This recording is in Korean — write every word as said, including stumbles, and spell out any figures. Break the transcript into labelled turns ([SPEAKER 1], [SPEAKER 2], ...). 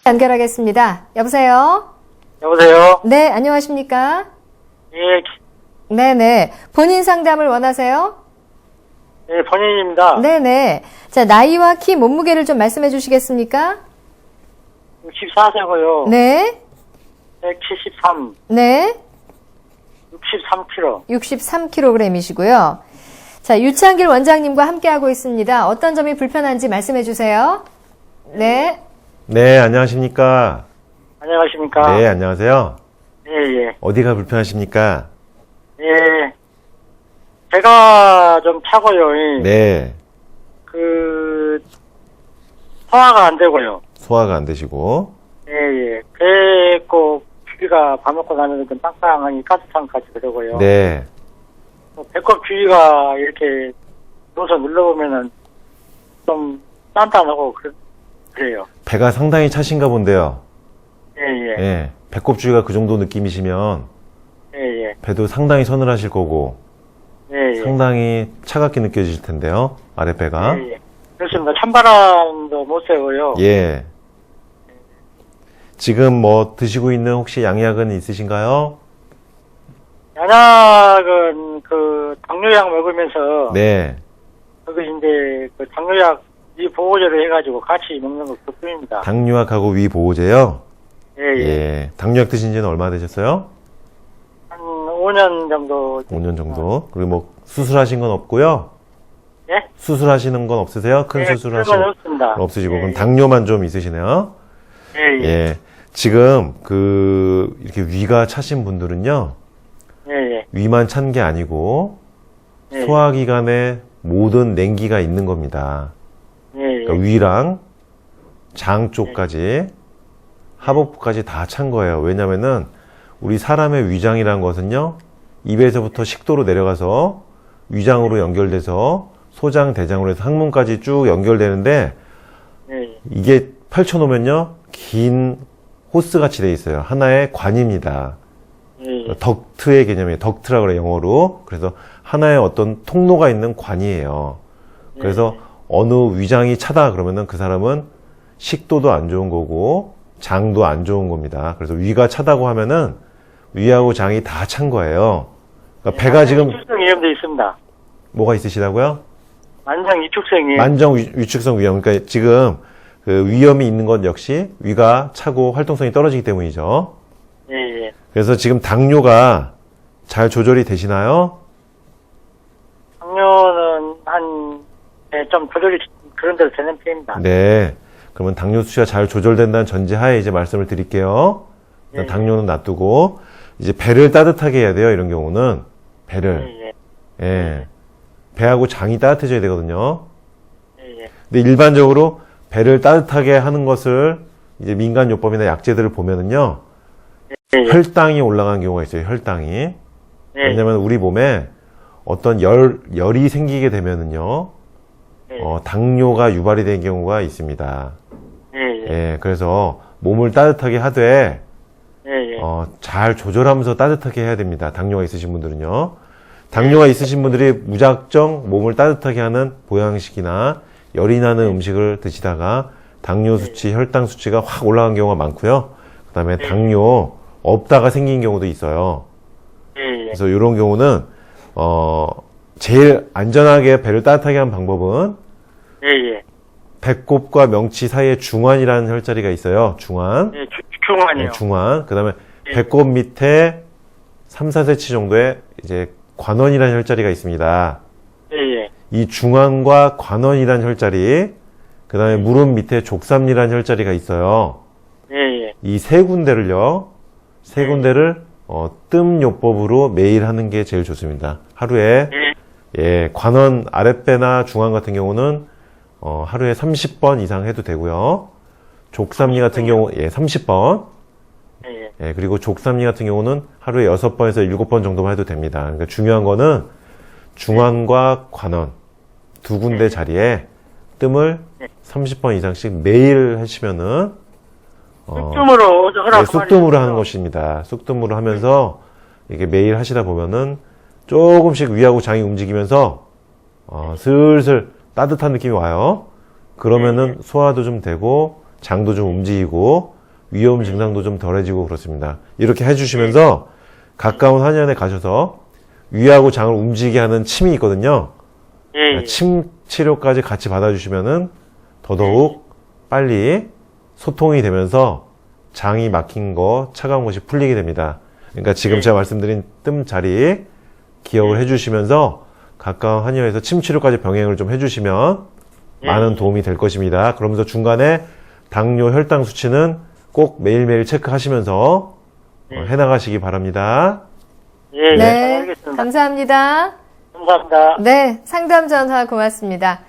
[SPEAKER 1] 연결하겠습니다. 여보세요?
[SPEAKER 2] 여보세요?
[SPEAKER 1] 네, 안녕하십니까?
[SPEAKER 2] 예,
[SPEAKER 1] 네네. 본인 상담을 원하세요?
[SPEAKER 2] 예, 본인입니다.
[SPEAKER 1] 네네. 자, 나이와 키, 몸무게를 좀 말씀해 주시겠습니까?
[SPEAKER 2] 육십사 세고요.
[SPEAKER 1] 네.
[SPEAKER 2] 백칠십삼,
[SPEAKER 1] 네.
[SPEAKER 2] 육십삼 킬로그램.
[SPEAKER 1] 육십삼 킬로그램이시고요. 자, 유창길 원장님과 함께하고 있습니다. 어떤 점이 불편한지 말씀해 주세요. 네.
[SPEAKER 3] 네, 안녕하십니까?
[SPEAKER 2] 안녕하십니까?
[SPEAKER 3] 네, 안녕하세요.
[SPEAKER 2] 예, 예.
[SPEAKER 3] 어디가 불편하십니까?
[SPEAKER 2] 예. 제가 좀 차고요. 예.
[SPEAKER 3] 네,
[SPEAKER 2] 그, 소화가 안 되고요.
[SPEAKER 3] 소화가 안 되시고.
[SPEAKER 2] 예, 예. 배꼽 주위가 밥 먹고 나면 좀 빵빵하니 가스탕까지 그러고요.
[SPEAKER 3] 네,
[SPEAKER 2] 또 배꼽 주위가 이렇게 누워서 눌러보면은 좀 단단하고 그, 그래요.
[SPEAKER 3] 배가 상당히 차신가 본데요.
[SPEAKER 2] 예, 예.
[SPEAKER 3] 예, 배꼽 주위가 그 정도 느낌이시면
[SPEAKER 2] 예, 예.
[SPEAKER 3] 배도 상당히 서늘하실 거고
[SPEAKER 2] 예, 예.
[SPEAKER 3] 상당히 차갑게 느껴지실 텐데요. 아랫배가.
[SPEAKER 2] 예, 예. 그렇습니다. 찬바람도 못 쐬고요.
[SPEAKER 3] 예. 지금 뭐 드시고 있는 혹시 양약은 있으신가요?
[SPEAKER 2] 양약은 그 당뇨약 먹으면서
[SPEAKER 3] 네.
[SPEAKER 2] 그거 이제 그 당뇨약 이 보호제를 해가지고 같이 먹는 거 그뿐입니다.
[SPEAKER 3] 당뇨약하고 위보호제요?
[SPEAKER 2] 예, 예.
[SPEAKER 3] 예. 당뇨약 드신 지는 얼마 되셨어요?
[SPEAKER 2] 한 오 년 정도.
[SPEAKER 3] 오 년 정도. 그리고 뭐 수술하신 건 없고요.
[SPEAKER 2] 예?
[SPEAKER 3] 수술하하시는 건 없으세요? 큰
[SPEAKER 2] 예,
[SPEAKER 3] 수술하시는
[SPEAKER 2] 그건 없습니다.
[SPEAKER 3] 없으시고
[SPEAKER 2] 예,
[SPEAKER 3] 그럼
[SPEAKER 2] 예.
[SPEAKER 3] 당뇨만 좀 있으시네요.
[SPEAKER 2] 예, 예.
[SPEAKER 3] 예. 지금 그 이렇게 위가 차신 분들은요.
[SPEAKER 2] 예, 예.
[SPEAKER 3] 위만 찬 게 아니고
[SPEAKER 2] 예,
[SPEAKER 3] 소화기관에 모든 냉기가 있는 겁니다.
[SPEAKER 2] 예, 예.
[SPEAKER 3] 그러니까 위랑 장 쪽까지 하복부까지 다 찬 거예요. 왜냐면은 우리 사람의 위장이라는 것은요. 입에서부터 식도로 내려가서 위장으로 연결돼서 소장, 대장으로 해서 항문까지 쭉 연결되는데
[SPEAKER 2] 예, 예.
[SPEAKER 3] 이게 펼쳐놓으면요. 긴 호스같이 돼 있어요. 하나의 관입니다.
[SPEAKER 2] 예, 예.
[SPEAKER 3] 덕트의 개념이에요. 덕트라고 그래요. 영어로. 그래서 하나의 어떤 통로가 있는 관이에요. 그래서 어느 위장이 차다 그러면은 그 사람은 식도도 안 좋은 거고 장도 안 좋은 겁니다. 그래서 위가 차다고 하면은 위하고 장이 다 찬 거예요. 그러니까 배가 지금
[SPEAKER 2] 위축성 위염도 있습니다.
[SPEAKER 3] 뭐가 있으시다고요?
[SPEAKER 2] 만성 위축성 위염.
[SPEAKER 3] 만정 위- 위축성 위염. 그러니까 지금 그 위염이 있는 건 역시 위가 차고 활동성이 떨어지기 때문이죠.
[SPEAKER 2] 예, 예.
[SPEAKER 3] 그래서 지금 당뇨가 잘 조절이 되시나요?
[SPEAKER 2] 당뇨는 한, 예, 좀 조절이 그런 대로 되는 편입니다.
[SPEAKER 3] 네. 그러면 당뇨 수치가 잘 조절된다는 전제하에 이제 말씀을 드릴게요. 일단
[SPEAKER 2] 예.
[SPEAKER 3] 당뇨는 놔두고 이제 배를 따뜻하게 해야 돼요. 이런 경우는 배를.
[SPEAKER 2] 예, 예.
[SPEAKER 3] 예. 배하고 장이 따뜻해져야 되거든요.
[SPEAKER 2] 예, 예.
[SPEAKER 3] 근데 일반적으로 배를 따뜻하게 하는 것을 이제 민간요법이나 약재들을 보면은요.
[SPEAKER 2] 예, 예.
[SPEAKER 3] 혈당이 올라가는 경우가 있어요. 혈당이.
[SPEAKER 2] 예.
[SPEAKER 3] 왜냐면 우리 몸에 어떤 열, 열이 생기게 되면은요.
[SPEAKER 2] 예.
[SPEAKER 3] 어, 당뇨가 유발이 된 경우가 있습니다.
[SPEAKER 2] 예, 예.
[SPEAKER 3] 예, 그래서 몸을 따뜻하게 하되
[SPEAKER 2] 예, 예.
[SPEAKER 3] 어, 잘 조절하면서 따뜻하게 해야 됩니다. 당뇨가 있으신 분들은요. 당뇨가 있으신 분들이 무작정 몸을 따뜻하게 하는 보양식이나 열이 나는 음식을 드시다가 당뇨 수치, 혈당 수치가 확 올라간 경우가 많고요. 그 다음에 당뇨 없다가 생긴 경우도 있어요.
[SPEAKER 2] 예, 예.
[SPEAKER 3] 그래서 이런 경우는 어, 제일 안전하게 배를 따뜻하게 하는 방법은
[SPEAKER 2] 예, 예.
[SPEAKER 3] 배꼽과 명치 사이에 중환이라는 혈자리가 있어요. 중환.
[SPEAKER 2] 예, 주, 중환이요.
[SPEAKER 3] 네, 중환. 그 다음에
[SPEAKER 2] 예.
[SPEAKER 3] 배꼽 밑에 삼, 사 센티미터 정도의 이제 관원이라는 혈자리가 있습니다.
[SPEAKER 2] 예, 예.
[SPEAKER 3] 이 중환과 관원이라는 혈자리, 그 다음에 무릎 밑에 족삼리라는 혈자리가 있어요.
[SPEAKER 2] 예, 예.
[SPEAKER 3] 이 세 군데를요, 세 군데를 어, 뜸요법으로 매일 하는 게 제일 좋습니다. 하루에
[SPEAKER 2] 예.
[SPEAKER 3] 예, 관원 아랫배나 중환 같은 경우는 어, 하루에 삼십 번 이상 해도 되고요. 족삼리 같은 경우 예, 삼십 번.
[SPEAKER 2] 예, 예.
[SPEAKER 3] 예, 그리고 족삼리 같은 경우는 하루에 여섯 번에서 일곱 번 정도만 해도 됩니다. 그러니까 중요한 거는 중환과 관원 두 군데 자리에 뜸을 삼십 번 이상씩 매일 하시면은 어,
[SPEAKER 2] 쑥뜸으로 허락
[SPEAKER 3] 예, 쑥뜸으로 하는 것입니다. 쑥뜸으로 하면서 이게 매일 하시다 보면은 조금씩 위하고 장이 움직이면서 어, 슬슬 따뜻한 느낌이 와요. 그러면은 소화도 좀 되고 장도 좀 움직이고 위험 증상도 좀 덜해지고 그렇습니다. 이렇게 해주시면서 가까운 한의원에 가셔서 위하고 장을 움직이게 하는 침이 있거든요.
[SPEAKER 2] 예, 예.
[SPEAKER 3] 침 치료까지 같이 받아주시면은 더더욱 빨리 소통이 되면서 장이 막힌 거, 차가운 것이 풀리게 됩니다. 그러니까 지금 제가 말씀드린 뜸 자리 기억을 해주시면서 가까운 한의원에서 침 치료까지 병행을 좀 해주시면 많은 도움이 될 것입니다. 그러면서 중간에 당뇨, 혈당 수치는 꼭 매일매일 체크하시면서 어, 해나가시기 바랍니다.
[SPEAKER 2] 예, 예.
[SPEAKER 1] 네,
[SPEAKER 2] 알겠습니다.
[SPEAKER 1] 감사합니다.
[SPEAKER 2] 감사합니다.
[SPEAKER 1] 네, 상담 전화 고맙습니다.